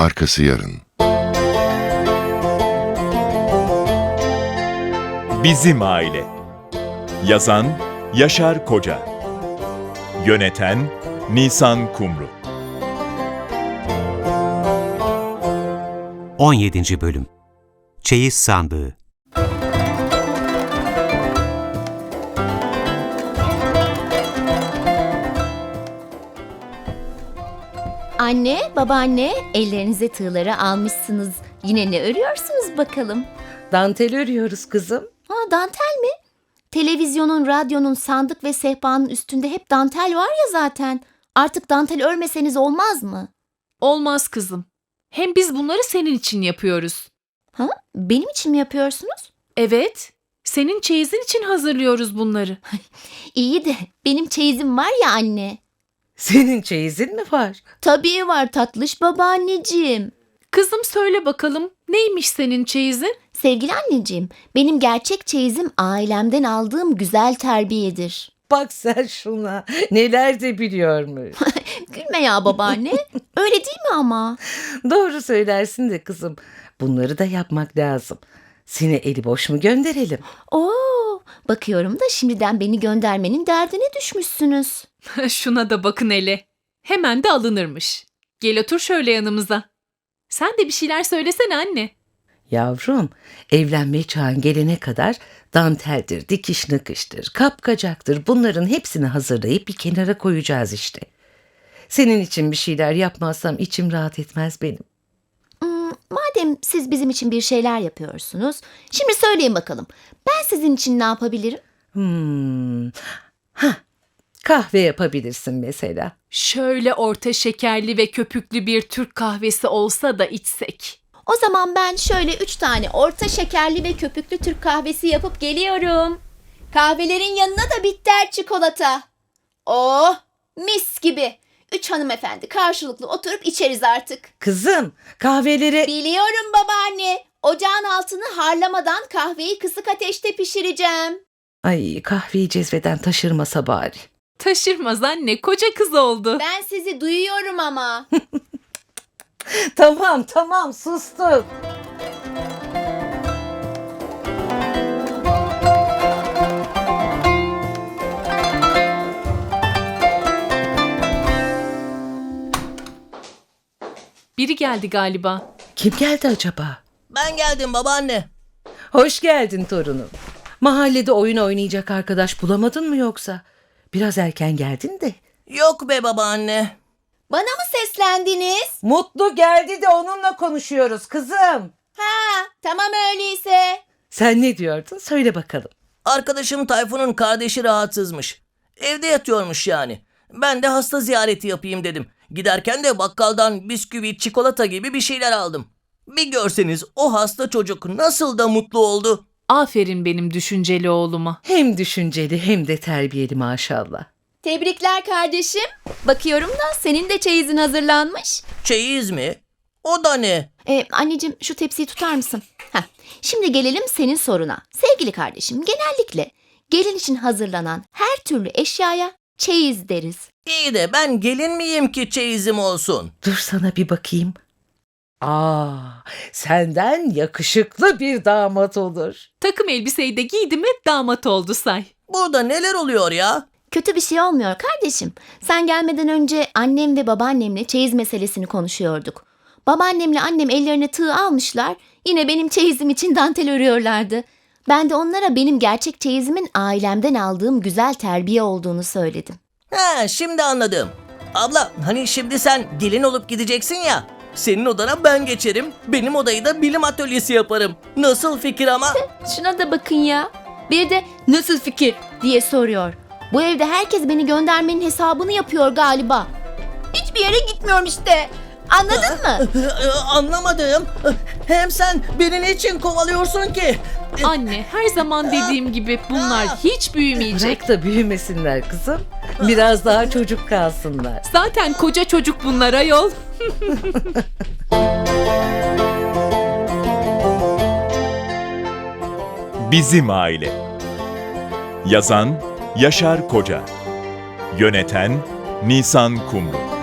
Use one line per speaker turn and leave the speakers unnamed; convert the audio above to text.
arkası yarın.
Bizim Aile. Yazan Yaşar Koca. Yöneten Nisan Kumru.
17. Bölüm. Çeyiz Sandığı.
Anne, babaanne, ellerinize tığları almışsınız. Yine ne örüyorsunuz bakalım?
Dantel örüyoruz kızım.
Ha, dantel mi? Televizyonun, radyonun, sandık ve sehpanın üstünde hep dantel var ya zaten. Artık dantel örmeseniz olmaz mı?
Olmaz kızım. Hem biz bunları senin için yapıyoruz.
Ha? Benim için mi yapıyorsunuz?
Evet, senin çeyizin için hazırlıyoruz bunları.
İyi de benim çeyizim var ya anne.
Senin çeyizin mi var?
Tabii var tatlış babaanneciğim.
Kızım söyle bakalım, neymiş senin çeyizin?
Sevgili anneciğim, benim gerçek çeyizim ailemden aldığım güzel terbiyedir.
Bak sen şuna. Neler de biliyormuş.
Gülme ya babaanne. Öyle değil mi ama?
Doğru söylersin de kızım. Bunları da yapmak lazım. Seni eli boş mu gönderelim?
Oo, bakıyorum da şimdiden beni göndermenin derdine düşmüşsünüz.
Şuna da bakın hele. Hemen de alınırmış. Gel otur şöyle yanımıza. Sen de bir şeyler söylesene anne.
Yavrum, evlenme çağın gelene kadar danteldir, dikiş nakıştır, kapkacaktır. Bunların hepsini hazırlayıp bir kenara koyacağız işte. Senin için bir şeyler yapmazsam içim rahat etmez benim.
Madem siz bizim için bir şeyler yapıyorsunuz, şimdi söyleyin bakalım. Ben sizin için ne yapabilirim?
Kahve yapabilirsin mesela.
Şöyle orta şekerli ve köpüklü bir Türk kahvesi olsa da içsek.
O zaman ben şöyle 3 tane orta şekerli ve köpüklü Türk kahvesi yapıp geliyorum. Kahvelerin yanına da bitter çikolata. Oh, mis gibi. 3 hanımefendi karşılıklı oturup içeriz artık.
Kızım, kahveleri...
Biliyorum babaanne. Ocağın altını harlamadan kahveyi kısık ateşte pişireceğim.
Ay, kahveyi cezveden taşırmasa bari.
Taşırmaz anne, koca kız oldu.
Ben sizi duyuyorum ama.
Tamam, sustum.
Biri geldi galiba.
Kim geldi acaba?
Ben geldim babaanne.
Hoş geldin torunum. Mahallede oyun oynayacak arkadaş bulamadın mı yoksa? Biraz erken geldin de.
Yok be babaanne.
Bana mı seslendiniz?
Mutlu geldi de onunla konuşuyoruz kızım.
Ha, tamam öyleyse.
Sen ne diyordun? Söyle bakalım.
Arkadaşım Tayfun'un kardeşi rahatsızmış. Evde yatıyormuş yani. Ben de hasta ziyareti yapayım dedim. Giderken de bakkaldan bisküvi, çikolata gibi bir şeyler aldım. Bir görseniz o hasta çocuk nasıl da mutlu oldu.
Aferin benim düşünceli oğluma.
Hem düşünceli hem de terbiyeli maşallah.
Tebrikler kardeşim. Bakıyorum da senin de çeyizin hazırlanmış.
Çeyiz mi? O da ne?
Anneciğim şu tepsiyi tutar mısın? Şimdi gelelim senin soruna. Sevgili kardeşim, genellikle gelin için hazırlanan her türlü eşyaya çeyiz deriz.
İyi de ben gelin miyim ki çeyizim olsun?
Dur sana bir bakayım. Senden yakışıklı bir damat olur.
Takım elbiseyi de giydi mi damat oldu say.
Burada neler oluyor ya?
Kötü bir şey olmuyor kardeşim. Sen gelmeden önce annem ve babaannemle çeyiz meselesini konuşuyorduk. Babaannemle annem ellerine tığ almışlar. Yine benim çeyizim için dantel örüyorlardı. Ben de onlara benim gerçek çeyizimin ailemden aldığım güzel terbiye olduğunu söyledim.
Şimdi anladım. Abla hani şimdi sen gelin olup gideceksin ya. Senin odana ben geçerim. Benim odayı da bilim atölyesi yaparım. Nasıl fikir ama?
Şuna da bakın ya. Bir de nasıl fikir diye soruyor. Bu evde herkes beni göndermenin hesabını yapıyor galiba. Hiçbir yere gitmiyorum işte. Anladın mı?
Anlamadım. Hem sen beni niçin kovalıyorsun ki?
Anne her zaman dediğim gibi bunlar hiç büyümeyecek.
Bırak da büyümesinler kızım. Biraz daha çocuk kalsınlar.
Zaten koca çocuk bunlar ayol.
Bizim Aile. Yazan Yaşar Koca. Yöneten Nisan Kumru.